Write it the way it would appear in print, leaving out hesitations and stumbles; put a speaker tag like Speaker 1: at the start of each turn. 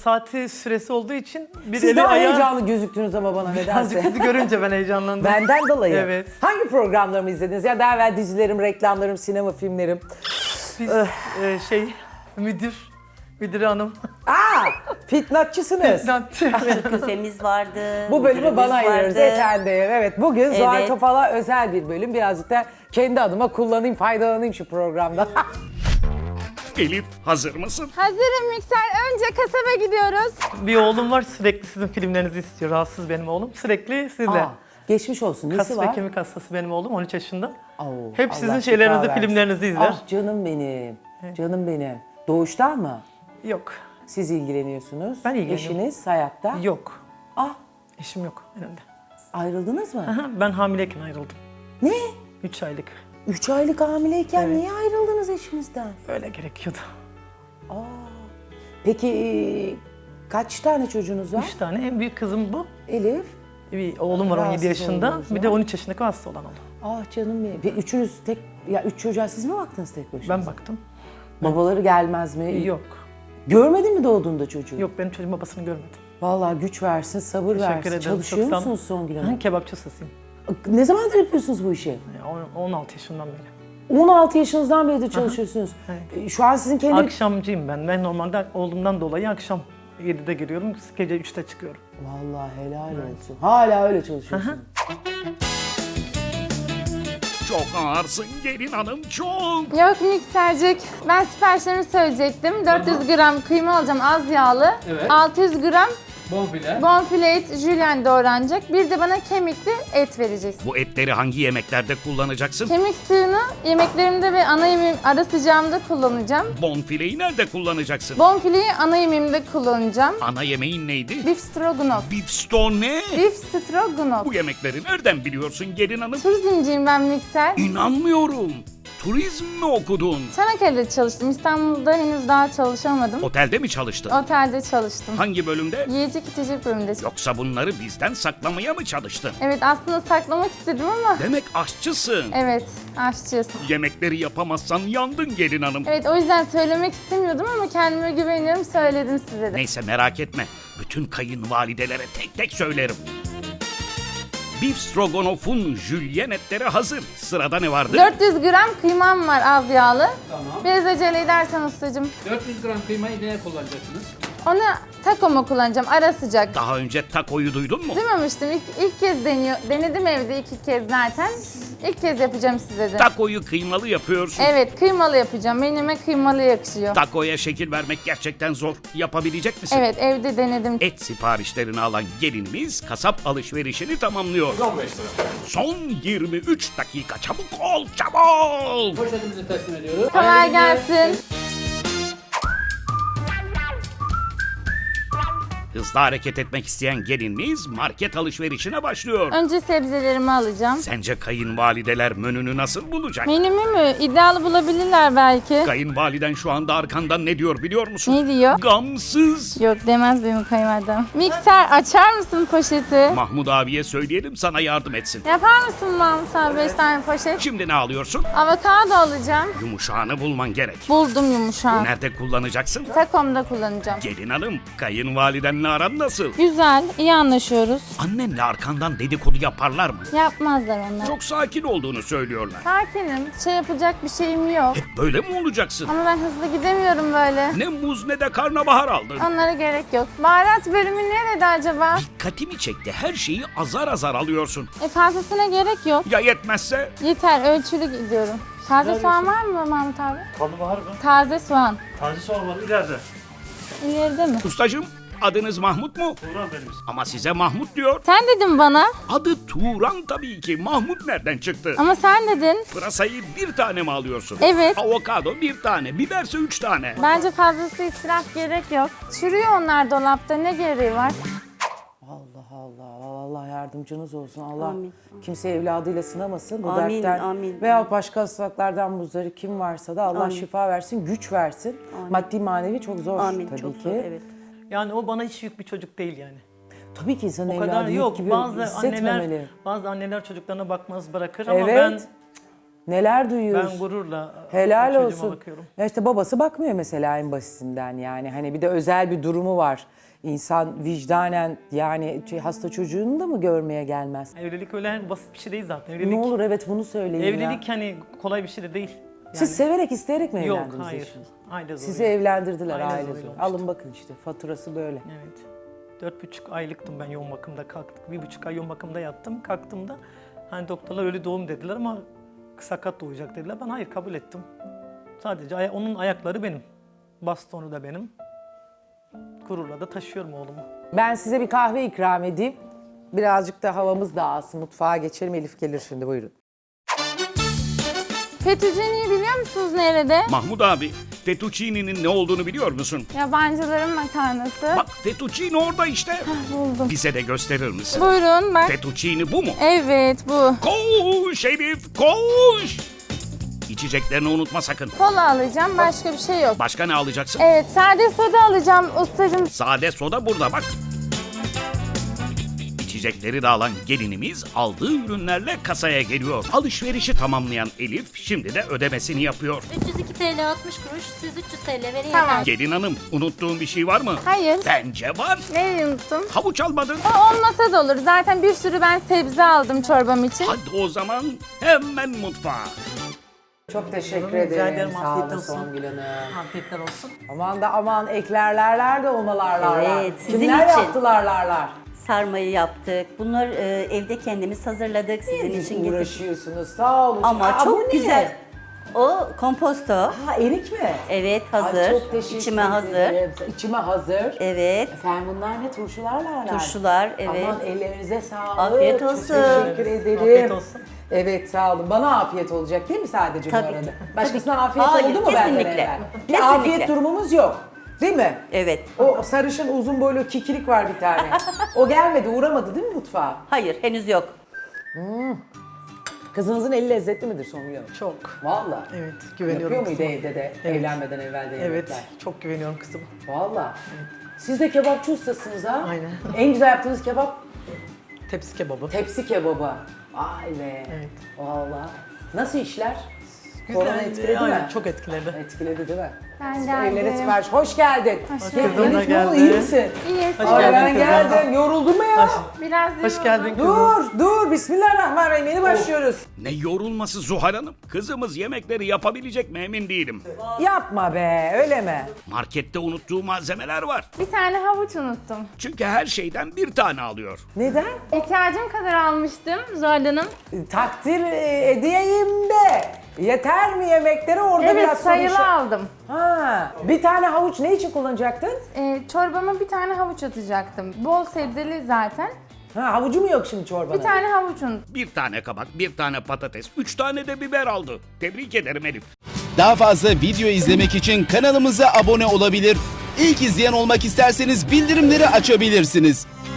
Speaker 1: saati süresi olduğu için bir
Speaker 2: Siz
Speaker 1: eli
Speaker 2: daha
Speaker 1: ayağı...
Speaker 2: heyecanlı gözüktünüz ama bana
Speaker 1: Birazcık
Speaker 2: nedense.
Speaker 1: sizi görünce ben heyecanlandım.
Speaker 2: Benden dolayı.
Speaker 1: Evet.
Speaker 2: Hangi programlarımı izlediniz? Ya daha evvel dizilerim, reklamlarım, sinema filmlerim.
Speaker 1: Biz müdür hanım.
Speaker 2: Fitnatçısınız.
Speaker 3: Küfemiz vardı.
Speaker 2: Bu bölümü
Speaker 3: müdürümüz
Speaker 2: bana ayırıyoruz
Speaker 3: vardı.
Speaker 2: efendim. Evet, bugün Zuhal
Speaker 3: Evet.
Speaker 2: Topal'a özel bir bölüm. Birazcık da kendi adıma kullanayım, faydalanayım şu programda.
Speaker 4: Elif, hazır mısın?
Speaker 5: Hazırım mikser. Önce kasaba gidiyoruz.
Speaker 1: Bir oğlum var, sürekli sizin filmlerinizi istiyor. Rahatsız benim oğlum. Sürekli sizle.
Speaker 2: Geçmiş olsun. Nesi
Speaker 1: Kas ve
Speaker 2: var?
Speaker 1: kemik hastası benim oğlum, 13 yaşında.
Speaker 2: Oo,
Speaker 1: Hep
Speaker 2: Allah
Speaker 1: sizin
Speaker 2: şifa
Speaker 1: şeylerinizi,
Speaker 2: versin.
Speaker 1: filmlerinizi izler.
Speaker 2: Ah canım benim. Canım benim. Doğuştan mı?
Speaker 1: Yok.
Speaker 2: Siz ilgileniyorsunuz.
Speaker 1: Ben ilgileniyorum.
Speaker 2: Eşiniz hayatta.
Speaker 1: Yok.
Speaker 2: Ah,
Speaker 1: Eşim yok önümde.
Speaker 2: ayrıldınız mı?
Speaker 1: Ben hamileyken ayrıldım.
Speaker 2: Ne?
Speaker 1: 3 aylık.
Speaker 2: 3 aylık hamileyken
Speaker 1: Evet.
Speaker 2: niye ayrıldınız eşinizden?
Speaker 1: Öyle gerekiyordu.
Speaker 2: Peki kaç tane çocuğunuz var?
Speaker 1: 3 tane. En büyük kızım bu.
Speaker 2: Elif.
Speaker 1: Bir oğlum var 17
Speaker 2: Rahatsız
Speaker 1: yaşında.
Speaker 2: olduğunuz
Speaker 1: Bir de
Speaker 2: var.
Speaker 1: 13 yaşındaki hasta olan oğlum.
Speaker 2: Ah canım benim. Ve üçünüz tek, ya 3 çocuğa siz mi baktınız tek başına?
Speaker 1: Ben baktım.
Speaker 2: Babaları gelmez mi?
Speaker 1: Yok.
Speaker 2: Görmedin mi doğduğunda çocuğu?
Speaker 1: Yok, benim çocuğum babasını görmedim.
Speaker 2: Vallahi güç versin, sabır
Speaker 1: Teşekkür
Speaker 2: versin.
Speaker 1: ederim.
Speaker 2: Çalışıyor
Speaker 1: Çok sağ-
Speaker 2: musunuz Songül Hanım?
Speaker 1: Ben kebapçı ustasıyım.
Speaker 2: Ne zamandır yapıyorsunuz bu işi?
Speaker 1: 16 yaşından beri.
Speaker 2: 16 yaşınızdan beri de çalışıyorsunuz. Şu an sizin kendi...
Speaker 1: Akşamcıyım ben. Ben normalde oğlumdan dolayı akşam 7'de giriyorum, gece 3'te çıkıyorum.
Speaker 2: Vallahi helal olsun. Hala öyle çalışıyorsunuz.
Speaker 4: Çok ağırsın gelin hanım, çok.
Speaker 5: Yok miksercik. Ben siparişlerimi söyleyecektim. 400 gram kıyma alacağım az yağlı.
Speaker 6: Evet.
Speaker 5: 600 gram
Speaker 6: Bonfile.
Speaker 5: bonfile et jülyen doğranacak. Bir de bana kemikli et vereceksin.
Speaker 4: Bu etleri hangi yemeklerde kullanacaksın?
Speaker 5: Kemik suyunu yemeklerimde ve ana yemeğim ara sıcağımda kullanacağım.
Speaker 4: Bonfileyi nerede kullanacaksın?
Speaker 5: Bonfileyi ana yemeğimde kullanacağım.
Speaker 4: Ana yemeğin neydi?
Speaker 5: Beef stroganoff.
Speaker 4: Bifston ne?
Speaker 5: Beef stroganoff.
Speaker 4: Bu yemekleri nereden biliyorsun gelin hanım?
Speaker 5: Turizmciyim ben mikser.
Speaker 4: İnanmıyorum. Turizm mi okudun?
Speaker 5: Çanakkale'de çalıştım. İstanbul'da henüz daha çalışamadım.
Speaker 4: Otelde mi çalıştın?
Speaker 5: Otelde çalıştım.
Speaker 4: Hangi bölümde?
Speaker 5: Yiyecek içecek bölümünde.
Speaker 4: Yoksa bunları bizden saklamaya mı çalıştın?
Speaker 5: Evet aslında saklamak istedim ama
Speaker 4: Demek aşçısın.
Speaker 5: evet aşçıyız.
Speaker 4: Yemekleri yapamazsan yandın gelin hanım.
Speaker 5: Evet o yüzden söylemek istemiyordum ama kendime güveniyorum söyledim size de.
Speaker 4: Neyse merak etme. Bütün kayınvalidelere tek tek söylerim. Beef Stroganoff'un jülyen etleri hazır. Sırada ne vardı?
Speaker 5: 400 gram kıymam var az yağlı.
Speaker 6: Tamam.
Speaker 5: Biraz acele edersen ustacığım.
Speaker 6: 400 gram kıymayı neye kullanacaksınız?
Speaker 5: Onu takoma kullanacağım ara sıcak.
Speaker 4: Daha önce takoyu duydun mu?
Speaker 5: Duymamıştım. İlk kez denedim evde 2 kez zaten. İlk kez yapacağım size de.
Speaker 4: Takoyu kıymalı yapıyorsun.
Speaker 5: Evet kıymalı yapacağım. Menüme kıymalı yakışıyor.
Speaker 4: Takoya şekil vermek gerçekten zor. Yapabilecek misin?
Speaker 5: Evet evde denedim.
Speaker 4: Et siparişlerini alan gelinimiz kasap alışverişini tamamlıyor.
Speaker 6: 15 lira.
Speaker 4: Son 23 dakika, çabuk ol, çabuk!
Speaker 6: Poşetimizi teslim ediyoruz.
Speaker 5: Kolay gelsin.
Speaker 4: Hızlı hareket etmek isteyen gelinimiz market alışverişine başlıyor.
Speaker 5: Önce sebzelerimi alacağım.
Speaker 4: Sence kayınvalideler menünü nasıl bulacak?
Speaker 5: Menümü mü? İddialı bulabilirler belki.
Speaker 4: Kayınvaliden şu anda arkandan ne diyor biliyor musun?
Speaker 5: Ne diyor?
Speaker 4: Gamsız.
Speaker 5: Yok demez benim kayınvalidem. Mikser açar mısın poşeti?
Speaker 4: Mahmut abiye söyleyelim sana yardım etsin.
Speaker 5: Yapar mısın Mahmut abi 5 tane poşet?
Speaker 4: Şimdi ne alıyorsun?
Speaker 5: Avokado alacağım.
Speaker 4: Yumuşağını bulman gerek.
Speaker 5: Buldum yumuşağı.
Speaker 4: Nerede kullanacaksın?
Speaker 5: Takomda kullanacağım.
Speaker 4: Gelin hanım, kayınvalidenle aran nasıl?
Speaker 5: Güzel, iyi anlaşıyoruz.
Speaker 4: Annenle arkandan dedikodu yaparlar mı?
Speaker 5: Yapmazlar onlar.
Speaker 4: Çok sakin olduğunu söylüyorlar.
Speaker 5: Sakinim, şey yapacak bir şeyim yok.
Speaker 4: Hep böyle mi olacaksın?
Speaker 5: Ama ben hızlı gidemiyorum böyle.
Speaker 4: Ne muz ne de karnabahar aldın.
Speaker 5: Onlara gerek yok. Baharat bölümü nerede acaba?
Speaker 4: Dikkatimi çekti. Her şeyi azar azar alıyorsun.
Speaker 5: Fazlasına gerek yok.
Speaker 4: Ya yetmezse?
Speaker 5: Yeter, ölçülü gidiyorum. Taze soğan var mı Mahmut abi?
Speaker 1: Karnabahar mı?
Speaker 5: Taze soğan.
Speaker 1: Taze soğan var ileride.
Speaker 5: İleride mi?
Speaker 4: Ustacığım, adınız Mahmut mu?
Speaker 1: Turan benim.
Speaker 4: Ama size Mahmut diyor.
Speaker 5: Sen dedin bana.
Speaker 4: Adı Turan tabii ki. Mahmut nereden çıktı?
Speaker 5: Ama sen dedin.
Speaker 4: Pırasayı bir tane mi alıyorsun?
Speaker 5: Evet.
Speaker 4: Avokado bir tane. Biberse 3 tane.
Speaker 5: Bence fazlası israf gerek yok. Çürüyor onlar dolapta. Ne gereği var?
Speaker 2: Allah Allah. Allah yardımcınız olsun. Allah
Speaker 3: Amin.
Speaker 2: kimse evladıyla sınamasın bu
Speaker 3: Amin,
Speaker 2: dertten.
Speaker 3: amin.
Speaker 2: Veya başka hastalıklardan muzdarip kim varsa da Allah
Speaker 3: Amin.
Speaker 2: şifa versin, güç versin. Maddi manevi çok zor
Speaker 3: Amin.
Speaker 2: tabii
Speaker 3: Çok
Speaker 2: ki.
Speaker 3: zor, evet.
Speaker 1: Yani o bana hiç yük bir çocuk değil yani.
Speaker 2: Tabii ki insanın
Speaker 1: O kadar
Speaker 2: evladı yük
Speaker 1: yok.
Speaker 2: gibi
Speaker 1: Bazı
Speaker 2: hissetmemeli.
Speaker 1: anneler çocuklarına bakmaz bırakır ama
Speaker 2: Evet. Neler duyuyoruz.
Speaker 1: Ben gururla
Speaker 2: Helal
Speaker 1: çocuğuma
Speaker 2: olsun.
Speaker 1: bakıyorum.
Speaker 2: Ya işte babası bakmıyor mesela en basitinden yani. Hani bir de özel bir durumu var. İnsan vicdanen yani hasta çocuğunu da mı görmeye gelmez?
Speaker 1: Evlilik öyle basit bir şey değil zaten. Evlilik,
Speaker 2: Ne olur evet bunu söyleyin ya.
Speaker 1: evlilik hani kolay bir şey de değil.
Speaker 2: Siz severek isteyerek mi
Speaker 1: Yok,
Speaker 2: evlendiniz
Speaker 1: hayır.
Speaker 2: eşiniz?
Speaker 1: Aile
Speaker 2: Sizi
Speaker 1: zoruyla.
Speaker 2: evlendirdiler
Speaker 1: Aile
Speaker 2: aile
Speaker 1: zoruyla
Speaker 2: zoru.
Speaker 1: olmuştu.
Speaker 2: Alın bakın işte faturası böyle.
Speaker 1: Evet. 4,5 aylıktım ben yoğun bakımda kalktık. 1,5 ay yoğun bakımda yattım. Kalktığımda hani doktorlar ölü doğum dediler ama sakat doğacak dediler. Ben hayır kabul ettim. Sadece onun ayakları benim. Bastonu da benim. Gururla da taşıyorum oğlumu.
Speaker 2: Ben size bir kahve ikram edeyim. Birazcık da havamız dağılsın. Mutfağa geçelim. Elif gelir şimdi buyurun.
Speaker 5: Fettuccine'yi biliyor musunuz nerede?
Speaker 4: Mahmut abi, fettuccine'nin ne olduğunu biliyor musun?
Speaker 5: Yabancıların makarnası.
Speaker 4: Bak fettuccine orada işte.
Speaker 5: Buldum.
Speaker 4: Bize de gösterir misin?
Speaker 5: Buyurun bak.
Speaker 4: Fettuccine bu mu?
Speaker 5: Evet bu.
Speaker 4: Koş Elif, koş! İçeceklerini unutma sakın.
Speaker 5: Kola alacağım, başka bir şey yok.
Speaker 4: Başka ne alacaksın?
Speaker 5: Evet, sade soda alacağım ustacığım.
Speaker 4: Sade soda burada bak. İçecekleri de alan gelinimiz aldığı ürünlerle kasaya geliyor. Alışverişi tamamlayan Elif şimdi de ödemesini yapıyor.
Speaker 7: 302 TL 60 kuruş, siz 300 TL verin
Speaker 5: Tamam.
Speaker 7: yeter.
Speaker 4: Gelin hanım, unuttuğun bir şey var mı?
Speaker 5: Hayır.
Speaker 4: Bence var.
Speaker 5: Neyi unuttum?
Speaker 4: Havuç almadın.
Speaker 5: O olmasa da olur. Zaten bir sürü ben sebze aldım çorbam için.
Speaker 4: Hadi o zaman hemen mutfağa.
Speaker 2: Çok teşekkür
Speaker 1: Rica ederim,
Speaker 2: ederim. Sağ
Speaker 1: afiyet
Speaker 2: olun
Speaker 1: olsun.
Speaker 2: Songül Hanım.
Speaker 1: Afiyetler olsun.
Speaker 2: Aman da aman eklerlerler de olmalarlar.
Speaker 3: Evet, sizin
Speaker 2: Kimler
Speaker 3: için.
Speaker 2: yaptılarlarlar?
Speaker 3: Sarmayı yaptık. Bunları evde kendimiz hazırladık. Sizin için getirdik.
Speaker 2: Uğraşıyorsunuz sağ olun.
Speaker 3: Ama
Speaker 2: Aa, bu
Speaker 3: çok
Speaker 2: ne?
Speaker 3: güzel. O komposto.
Speaker 2: Ha erik mi?
Speaker 3: Evet,
Speaker 2: Ay,
Speaker 3: hazır.
Speaker 2: çok teşekkür
Speaker 3: İçime hazır.
Speaker 2: ederim. İçime hazır.
Speaker 3: Evet.
Speaker 2: Efendim bunlar ne turşularlar?
Speaker 3: Turşular, evet.
Speaker 2: Aman ellerinize sağlık.
Speaker 3: Afiyet
Speaker 2: Çok
Speaker 3: olsun.
Speaker 2: teşekkür ederim.
Speaker 1: Afiyet olsun.
Speaker 2: Evet sağ olun. Bana afiyet olacak değil mi sadece
Speaker 3: Tabii
Speaker 2: bu arada?
Speaker 3: ki.
Speaker 2: Başkasına
Speaker 3: Tabii ki.
Speaker 2: afiyet
Speaker 3: Hayır,
Speaker 2: oldu mu benden
Speaker 3: kesinlikle.
Speaker 2: evvel? Bir
Speaker 3: Kesinlikle.
Speaker 2: afiyet durumumuz yok. Değil mi?
Speaker 3: Evet.
Speaker 2: O sarışın uzun boylu kikilik var bir tane. O gelmedi, uğramadı değil mi mutfağa?
Speaker 3: Hayır, henüz yok.
Speaker 2: Kızınızın eli lezzetli midir Songül Hanım?
Speaker 1: Çok.
Speaker 2: Valla.
Speaker 1: Evet, güveniyorum
Speaker 2: Yapıyor muydu
Speaker 1: kızıma.
Speaker 2: evde de
Speaker 1: Evet.
Speaker 2: evlenmeden evvel de
Speaker 1: Evet,
Speaker 2: yemekler?
Speaker 1: çok güveniyorum kızıma.
Speaker 2: Valla. Siz de kebapçı ustasınız ha?
Speaker 1: Aynen.
Speaker 2: En güzel yaptığınız kebap
Speaker 1: Tepsi kebabı.
Speaker 2: tepsi kebabı. Vay be.
Speaker 1: Evet.
Speaker 2: Valla. Nasıl işler? Korona
Speaker 1: Güzeldi,
Speaker 2: etkiledi
Speaker 1: aynen,
Speaker 2: mi?
Speaker 1: çok etkiledi.
Speaker 2: Etkiledi değil mi?
Speaker 5: Ben
Speaker 2: Evlere
Speaker 5: geldim.
Speaker 2: sipariş. Hoş geldin.
Speaker 5: Hoş
Speaker 2: Ya,
Speaker 5: bulduk.
Speaker 2: Elif, ne oldu,
Speaker 1: Geldi.
Speaker 2: iyi misin?
Speaker 5: İyi.
Speaker 1: Hoş
Speaker 2: Ay,
Speaker 1: geldin
Speaker 2: ben
Speaker 1: kızım.
Speaker 2: geldim. Yoruldun mu ya?
Speaker 5: Biraz
Speaker 1: Hoş geldin kızım.
Speaker 2: Dur. Bismillahirrahmanirrahim. Yeni başlıyoruz.
Speaker 4: Ne yorulması Zuhal Hanım? Kızımız yemekleri yapabilecek mi emin değilim.
Speaker 2: Yapma be, öyle mi?
Speaker 4: Markette unuttuğu malzemeler var.
Speaker 5: Bir tane havuç unuttum.
Speaker 4: Çünkü her şeyden bir tane alıyor.
Speaker 2: Neden?
Speaker 5: İhtiyacım kadar almıştım Zuhal Hanım.
Speaker 2: Takdir edeyim de. Yeter mi yemekleri orada
Speaker 5: Evet,
Speaker 2: biraz soru
Speaker 5: sayılı
Speaker 2: işareti-
Speaker 5: aldım.
Speaker 2: Ha, bir tane havuç ne için kullanacaktın?
Speaker 5: Çorbama bir tane havuç atacaktım. Bol sebzeli zaten.
Speaker 2: Ha, havucu mu yok şimdi çorbada?
Speaker 5: Bir tane havuç unuttum.
Speaker 4: Bir tane kabak, bir tane patates, 3 tane de biber aldı. Tebrik ederim Elif.
Speaker 8: Daha fazla video izlemek için kanalımıza abone olabilir. İlk izleyen olmak isterseniz bildirimleri açabilirsiniz.